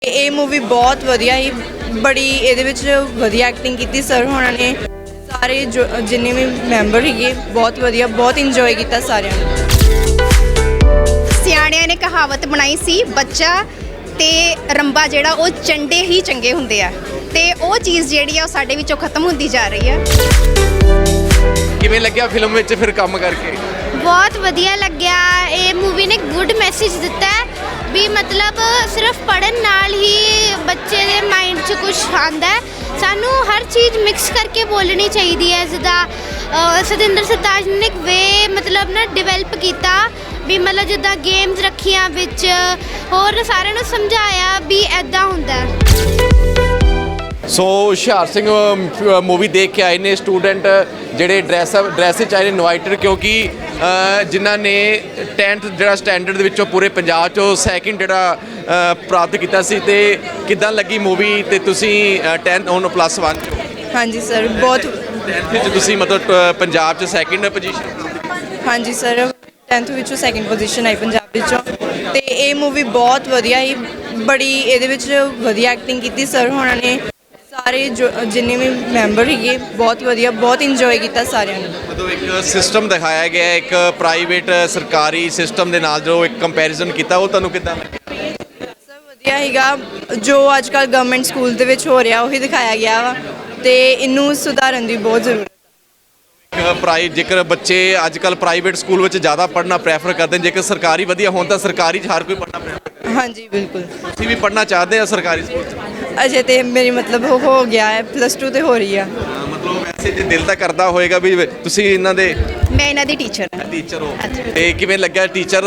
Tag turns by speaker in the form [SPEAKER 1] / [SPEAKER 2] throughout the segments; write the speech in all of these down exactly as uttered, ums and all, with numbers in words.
[SPEAKER 1] ਇਹ ਮੂਵੀ ਬਹੁਤ ਵਧੀਆ ਹੀ ਬੜੀ ਇਹਦੇ ਵਿੱਚ ਵਧੀਆ ਐਕਟਿੰਗ ਕੀਤੀ ਸਰ ਹੋਣਾ ਨੇ। ਸਾਰੇ ਜੋ ਜਿੰਨੇ ਵੀ ਮੈਂਬਰ ਸੀਗੇ ਬਹੁਤ ਵਧੀਆ, ਬਹੁਤ ਇੰਜੋਏ ਕੀਤਾ ਸਾਰਿਆਂ ਨੇ।
[SPEAKER 2] ਸਿਆਣਿਆਂ ਨੇ ਕਹਾਵਤ ਬਣਾਈ ਸੀ, ਬੱਚਾ ਤੇ ਰੰਬਾ ਜਿਹੜਾ ਉਹ ਚੰਡੇ ਹੀ ਚੰਗੇ ਹੁੰਦੇ ਆ, ਤੇ ਉਹ ਚੀਜ਼ ਜਿਹੜੀ ਆ ਉਹ ਸਾਡੇ ਵਿੱਚੋਂ ਖਤਮ ਹੁੰਦੀ ਜਾ ਰਹੀ ਆ।
[SPEAKER 3] ਕਿਵੇਂ ਲੱਗਿਆ ਫਿਲਮ ਵਿੱਚ ਫਿਰ ਕੰਮ ਕਰਕੇ?
[SPEAKER 4] ਬਹੁਤ ਵਧੀਆ ਲੱਗਿਆ। ਇਹ ਮੂਵੀ ਨੇ ਗੁੱਡ ਮੈਸੇਜ ਦਿੱਤਾ ਹੈ ਵੀ ਮਤਲਬ ਸਿਰਫ ਪੜ੍ਹਨ ਨਾਲ ਹੀ ਬੱਚੇ ਦੇ ਮਾਈਂਡ 'ਚ ਕੁਝ ਆਉਂਦਾ ਹੈ। ਸਾਨੂੰ ਹਰ ਚੀਜ਼ ਮਿਕਸ ਕਰਕੇ ਬੋਲਣੀ ਚਾਹੀਦੀ ਹੈ। ਜਿੱਦਾਂ ਸਤਿੰਦਰ ਸਰਤਾਜ ਨੇ ਇੱਕ ਵੇ ਮਤਲਬ ਨਾ ਡਿਵੈਲਪ ਕੀਤਾ ਵੀ ਮਤਲਬ ਜਿੱਦਾਂ ਗੇਮਸ ਰੱਖੀਆਂ ਵਿੱਚ, ਹੋਰ ਸਾਰਿਆਂ ਨੂੰ ਸਮਝਾਇਆ ਵੀ ਐਦਾਂ ਹੁੰਦਾ ਹੈ।
[SPEAKER 3] ਸੋ ਹੁਸ਼ਿਆਰ ਸਿੰਘ ਮੂਵੀ ਦੇਖ ਕੇ ਆਏ ਨੇ ਸਟੂਡੈਂਟ ਜਿਹੜੇ ਡਰੈਸ ਡਰੈਸ 'ਚ ਆਏ ਨੇ ਇਨਵਾਈਟਡ, ਕਿਉਂਕਿ ਜਿਨ੍ਹਾਂ ਨੇ ਟੈਂਥ ਜਿਹੜਾ ਸਟੈਂਡਰਡ ਦੇ ਵਿੱਚੋਂ ਪੂਰੇ ਪੰਜਾਬ 'ਚੋਂ ਸੈਕਿੰਡ ਜਿਹੜਾ ਪ੍ਰਾਪਤ ਕੀਤਾ ਸੀ। ਤੇ ਕਿੱਦਾਂ ਲੱਗੀ ਮੂਵੀ? ਤੇ ਤੁਸੀਂ ਟੈਂਥ ਹੁਣ ਪਲੱਸ ਵਨ 'ਚ?
[SPEAKER 1] ਹਾਂਜੀ ਸਰ, ਬਹੁਤ
[SPEAKER 3] ਟੈਂਥ ਵਿੱਚ ਤੁਸੀਂ ਮਤਲਬ ਪੰਜਾਬ 'ਚ ਸੈਕਿੰਡ ਪੋਜੀਸ਼ਨ?
[SPEAKER 1] ਹਾਂਜੀ ਸਰ, ਟੈਂਥ ਵਿੱਚੋਂ ਸੈਕਿੰਡ ਪੋਜੀਸ਼ਨ ਆਈ ਪੰਜਾਬ ਵਿੱਚੋਂ। ਤੇ ਇਹ ਮੂਵੀ ਬਹੁਤ ਵਧੀਆ ਹੀ ਬੜੀ ਇਹਦੇ ਵਿੱਚ ਵਧੀਆ ਐਕਟਿੰਗ ਕੀਤੀ ਸਰ ਹੋਣਾ ਨੇ। ਸਾਰੇ ਜੋ ਜਿੰਨੇ ਵੀ ਮੈਂਬਰ ਸੀਗੇ ਬਹੁਤ ਵਧੀਆ, ਬਹੁਤ ਇੰਜੋਏ ਕੀਤਾ ਸਾਰਿਆਂ ਨੇ।
[SPEAKER 3] ਮਤਲਬ ਇੱਕ ਸਿਸਟਮ ਦਿਖਾਇਆ ਗਿਆ, ਇੱਕ ਪ੍ਰਾਈਵੇਟ ਸਰਕਾਰੀ ਸਿਸਟਮ ਦੇ ਨਾਲ ਜੋ ਇੱਕ ਕੰਪੈਰੀਜ਼ਨ ਕੀਤਾ, ਉਹ ਤੁਹਾਨੂੰ ਕਿੱਦਾਂ ਲੱਗਿਆ?
[SPEAKER 1] ਸਰ ਵਧੀਆ ਸੀਗਾ, ਜੋ ਅੱਜ ਕੱਲ੍ਹ ਗਵਰਨਮੈਂਟ ਸਕੂਲ ਦੇ ਵਿੱਚ ਹੋ ਰਿਹਾ ਉਹੀ ਦਿਖਾਇਆ ਗਿਆ ਵਾ, ਤੇ ਇਹਨੂੰ ਸੁਧਾਰਨ ਦੀ ਬਹੁਤ ਜ਼ਰੂਰਤ ਹੈ।
[SPEAKER 3] ਪ੍ਰਾਈ ਜੇਕਰ ਬੱਚੇ ਅੱਜ ਕੱਲ੍ਹ ਪ੍ਰਾਈਵੇਟ ਸਕੂਲ ਵਿੱਚ ਜ਼ਿਆਦਾ ਪੜ੍ਹਨਾ ਪ੍ਰੈਫਰ ਕਰਦੇ ਨੇ, ਜੇਕਰ ਸਰਕਾਰੀ ਵਧੀਆ ਹੋਣ ਤਾਂ ਸਰਕਾਰੀ 'ਚ ਹਰ ਕੋਈ ਪੜ੍ਹਨਾ ਪ੍ਰੈਫਰ ਕਰਦਾ।
[SPEAKER 1] ਹਾਂਜੀ ਬਿਲਕੁਲ।
[SPEAKER 3] ਤੁਸੀਂ ਵੀ ਪੜ੍ਹਨਾ ਚਾਹਦੇ ਆ ਸਰਕਾਰੀ ਸਕੂਲ 'ਚ?
[SPEAKER 1] ਅਜੇ ਤੇ ਮੇਰੀ ਮਤਲਬ ਉਹ ਹੋ ਗਿਆ ਹੈ, ਪਲੱਸ ਟੂ ਤੇ ਹੋ ਰਹੀ ਆ।
[SPEAKER 3] ਮਤਲਬ ਵੈਸੇ ਜੇ ਦਿਲ ਤਾਂ ਕਰਦਾ ਹੋਏਗਾ ਵੀ ਤੁਸੀਂ ਇਹਨਾਂ ਦੇ
[SPEAKER 2] ਮੈਂ ਇਹਨਾਂ ਦੀ ਟੀਚਰ ਹਾਂ।
[SPEAKER 3] ਟੀਚਰ ਹੋ, ਤੇ ਕਿਵੇਂ ਲੱਗਿਆ? ਟੀਚਰ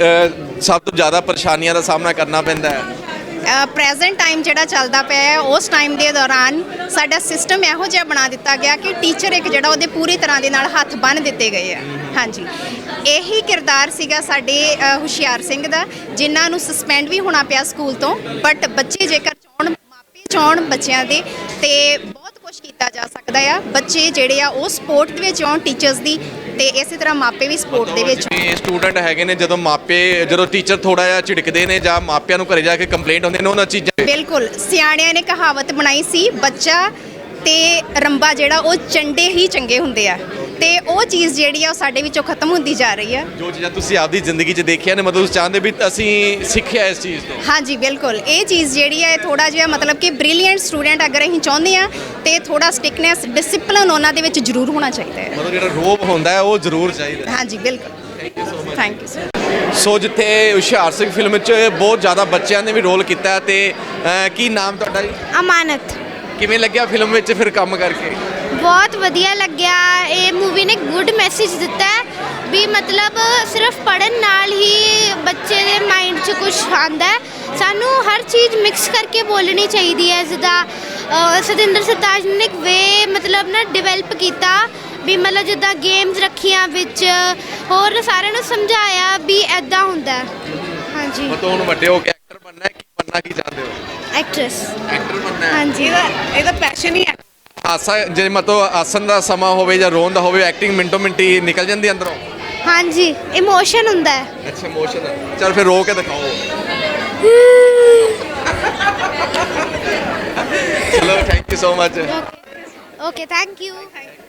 [SPEAKER 3] ਸਭ ਤੋਂ ਜ਼ਿਆਦਾ ਪਰੇਸ਼ਾਨੀਆਂ ਦਾ ਸਾਹਮਣਾ ਕਰਨਾ ਪੈਂਦਾ ਹੈ।
[SPEAKER 2] ਪ੍ਰੈਜ਼ੈਂਟ ਟਾਈਮ ਜਿਹੜਾ ਚੱਲਦਾ ਪਿਆ ਹੈ, ਉਸ ਟਾਈਮ ਦੇ ਦੌਰਾਨ ਸਾਡਾ ਸਿਸਟਮ ਇਹੋ ਜਿਹਾ ਬਣਾ ਦਿੱਤਾ ਗਿਆ ਕਿ ਟੀਚਰ ਇੱਕ ਜਿਹੜਾ ਉਹਦੇ ਪੂਰੀ ਤਰ੍ਹਾਂ ਦੇ ਨਾਲ ਹੱਥ ਬੰਨ੍ਹ ਦਿੱਤੇ ਗਏ ਆ। ਹਾਂਜੀ, ਇਹੀ ਕਿਰਦਾਰ ਸੀਗਾ ਸਾਡੇ ਹੁਸ਼ਿਆਰ ਸਿੰਘ ਦਾ, ਜਿਨ੍ਹਾਂ ਨੂੰ ਸਸਪੈਂਡ ਵੀ ਹੋਣਾ ਪਿਆ ਸਕੂਲ ਤੋਂ। ਬਟ ਬੱਚੇ ਜੇਕਰ ਚਾਹੁਣ, ਮਾਪੇ ਚਾਹੁਣ ਬੱਚਿਆਂ ਦੇ, ਤੇ ਬਹੁਤ ਕੁਝ ਕੀਤਾ ਜਾ ਸਕਦਾ ਆ। ਬੱਚੇ ਜਿਹੜੇ ਆ ਉਹ ਸਪੋਰਟ ਦੇ ਵਿੱਚ ਆਉਣ ਟੀਚਰਸ ਦੀ, ਤੇ ਇਸੇ ਤਰ੍ਹਾਂ ਮਾਪੇ ਵੀ ਸਪੋਰਟ ਦੇ ਵਿੱਚ।
[SPEAKER 3] ਸਟੂਡੈਂਟ ਹੈਗੇ ਨੇ, ਜਦੋਂ ਮਾਪੇ ਜਦੋਂ ਟੀਚਰ ਥੋੜਾ ਜਿਹਾ ਝਿੜਕਦੇ ਨੇ ਜਾਂ ਮਾਪਿਆਂ ਨੂੰ ਘਰੇ ਜਾ ਕੇ ਕੰਪਲੇਂਟ ਹੁੰਦੇ ਨੇ ਉਹਨਾਂ ਚੀਜ਼ਾਂ।
[SPEAKER 2] ਬਿਲਕੁਲ, ਸਿਆਣਿਆਂ ਨੇ ਕਹਾਵਤ ਬਣਾਈ ਸੀ, ਬੱਚਾ ਤੇ ਰੰਬਾ ਜਿਹੜਾ ਉਹ ਚੰਡੇ ਹੀ ਚੰਗੇ ਹੁੰਦੇ ਆ, ਤੇ ਉਹ ਚੀਜ਼ ਜਿਹੜੀ ਆ ਉਹ ਸਾਡੇ ਵਿੱਚੋਂ ਖਤਮ ਹੁੰਦੀ ਜਾ ਰਹੀ ਆ। ਜੋ
[SPEAKER 3] ਚੀਜ਼ਾਂ ਤੁਸੀਂ ਆਪਦੀ ਜ਼ਿੰਦਗੀ 'ਚ ਦੇਖੀਆਂ ਨੇ, ਮਤਲਬ ਤੁਸੀਂ ਚਾਹੁੰਦੇ ਵੀ ਅਸੀਂ ਸਿੱਖਿਆ ਇਸ ਚੀਜ਼ ਤੋਂ?
[SPEAKER 2] ਹਾਂਜੀ ਬਿਲਕੁਲ, ਇਹ ਚੀਜ਼ ਜਿਹੜੀ ਹੈ ਥੋੜਾ ਜਿਹਾ ਮਤਲਬ ਕਿ ਬ੍ਰਿਲੀਅੰਟ ਸਟੂਡੈਂਟ ਅਗਰ ਅਸੀਂ ਚਾਹੁੰਦੇ ਆ, ਤੇ ਥੋੜਾ ਸਟਿਕਨੈਸ, ਡਿਸਪਲਿਨ ਉਹਨਾਂ ਦੇ ਵਿੱਚ ਜ਼ਰੂਰ ਹੋਣਾ ਚਾਹੀਦਾ ਹੈ।
[SPEAKER 3] ਮਤਲਬ ਜਿਹੜਾ ਰੋਬ ਹੁੰਦਾ ਹੈ ਉਹ ਜ਼ਰੂਰ ਚਾਹੀਦਾ।
[SPEAKER 2] ਹਾਂਜੀ ਬਿਲਕੁਲ, ਥੈਂਕ ਯੂ ਸਰ।
[SPEAKER 3] ਸੋ ਜਿੱਥੇ ਹੁਸ਼ਿਆਰ ਸਿੰਘ ਫਿਲਮ 'ਚ ਬਹੁਤ ਜ਼ਿਆਦਾ ਬੱਚਿਆਂ ਨੇ ਵੀ ਰੋਲ ਕੀਤਾ, ਤੇ ਕੀ ਨਾਮ ਤੁਹਾਡਾ ਜੀ?
[SPEAKER 4] ਅਮਾਨਤ।
[SPEAKER 3] ਕਿਵੇਂ ਲੱਗਿਆ ਫਿਲਮ ਵਿੱਚ ਫਿਰ ਕੰਮ ਕਰਕੇ?
[SPEAKER 4] ਬਹੁਤ ਵਧੀਆ ਲੱਗਿਆ। ਇਹ ਮੂਵੀ ਨੇ ਗੁੱਡ ਮੈਸੇਜ ਦਿੱਤਾ ਹੈ ਵੀ ਮਤਲਬ ਸਿਰਫ ਪੜ੍ਹਨ ਨਾਲ ਹੀ ਬੱਚੇ ਦੇ ਮਾਈਂਡ 'ਚ ਕੁਝ ਆਉਂਦਾ ਹੈ। ਸਾਨੂੰ ਹਰ ਚੀਜ਼ ਮਿਕਸ ਕਰਕੇ ਬੋਲਣੀ ਚਾਹੀਦੀ ਹੈ। ਜਿੱਦਾਂ ਸਤਿੰਦਰ ਸਰਤਾਜ ਨੇ ਇੱਕ ਵੇ ਮਤਲਬ ਨਾ ਡਿਵੈਲਪ ਕੀਤਾ ਵੀ ਮਤਲਬ ਜਿੱਦਾਂ ਗੇਮਸ ਰੱਖੀਆਂ ਵਿੱਚ, ਹੋਰ ਸਾਰਿਆਂ ਨੂੰ ਸਮਝਾਇਆ ਵੀ ਐਦਾਂ ਹੁੰਦਾ ਹੈ। ਹਾਂਜੀ,
[SPEAKER 3] ਮਤਲਬ ਹੁਣ ਵੱਡੇ ਹੋ ਕੇ ਐਕਟਰ ਬਣਨਾ ਹੈ, ਕੀ ਬਣਨਾ ਕੀ ਚਾਹੁੰਦੇ ਹੋ?
[SPEAKER 4] ਐਕਟਰੈਸ।
[SPEAKER 3] ਐਕਟਰ ਬਣਨਾ ਹੈ?
[SPEAKER 4] ਹਾਂਜੀ,
[SPEAKER 1] ਇਹਦਾ ਇਹਦਾ ਪੈਸ਼ਨ ਹੀ ਹੈ।
[SPEAKER 3] ਹਾਸਾ ਜੇ ਮਤਲਬ ਆਸਨ ਦਾ ਸਮਾਂ ਹੋਵੇ ਜਾਂ ਰੋਣ ਦਾ ਹੋਵੇ, ਐਕਟਿੰਗ ਮਿੰਟੋ ਮਿੰਟੀ ਨਿਕਲ ਜਾਂਦੀ ਅੰਦਰੋਂ?
[SPEAKER 4] ਹਾਂਜੀ, ਇਮੋਸ਼ਨ ਹੁੰਦਾ ਹੈ।
[SPEAKER 3] ਅੱਛਾ, ਇਮੋਸ਼ਨ। ਚਲ ਫਿਰ ਰੋ ਕੇ ਦਿਖਾਓ। ਚਲੋ, thank you so much.
[SPEAKER 4] Okay, thank you.